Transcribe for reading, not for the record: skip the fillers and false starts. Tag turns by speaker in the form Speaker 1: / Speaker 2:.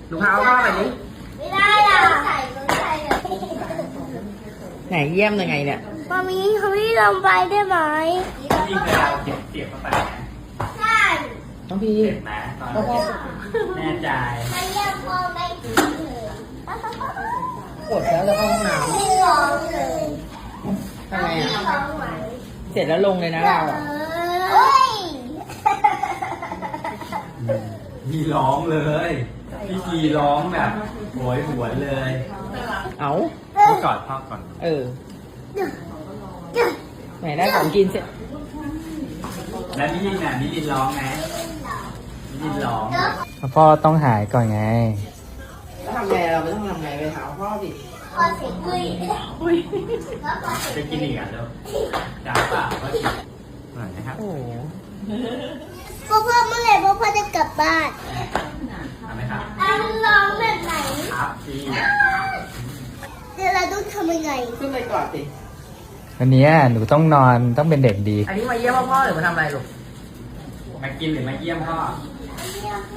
Speaker 1: หนูพาพ่อไปดิ
Speaker 2: ไม่ได้อ่ะใส่เลย
Speaker 1: ไหนเยี่ยมยังไงเนี่ย
Speaker 2: มามีเขาไม่ลงไปได้ไหม
Speaker 3: พี่เคยเอาเสียบเข้าไปไหม
Speaker 2: ใช่
Speaker 1: น้องพี่
Speaker 3: เจ็บไหมตอนเจ็บแน่ใจ
Speaker 2: มันยังพอไม่ถึงเลย
Speaker 1: กดแล้วจะเข้าห้องน้
Speaker 2: ไม่ร้องเลย
Speaker 1: ำทำไง
Speaker 2: ไม่
Speaker 1: อ่ะ
Speaker 2: ร้องไหว
Speaker 1: เสร็จแล้วลงเลยนะเราอ่ะ
Speaker 2: เฮ้ย
Speaker 3: มีร้องเลยพี่กีร้องแบบโหยหวนเลย
Speaker 1: เอา
Speaker 3: พ่อกอดพ่อก่อน
Speaker 1: เออไหนได้ของกินเสร็จ
Speaker 3: แล้วนิรินน่ะนิรินร้องไหมนิรินร้อง
Speaker 4: พ่อต้องหายก่อนไง
Speaker 1: แล้วทำไงเราไม่ต้องทำไงไปหาพ่อดิ
Speaker 2: พอเสียงคุยแล้วพอเสียง
Speaker 3: จะกินอีกอ่ะลูกจ้าเปล่าก็กินหน่อยนะครับ
Speaker 1: โอ้โห
Speaker 2: พ่อเมื่อไหร่พ่อจะกลับบ้าน
Speaker 3: ทำไหมครับ
Speaker 2: อันร้องแบบไหน
Speaker 3: ครับพี่
Speaker 2: เดี๋ยวเราต้องทำยังไง
Speaker 1: ขึ้นไปก่อนสิ
Speaker 4: วันนี้หนูต้องนอนต้องเป็นเด็กดี
Speaker 1: อันนี้มาเยี่ยมพ่อหรือมาทำอะไรลูก
Speaker 3: มากินหรือมาเยี่ยมพ่อ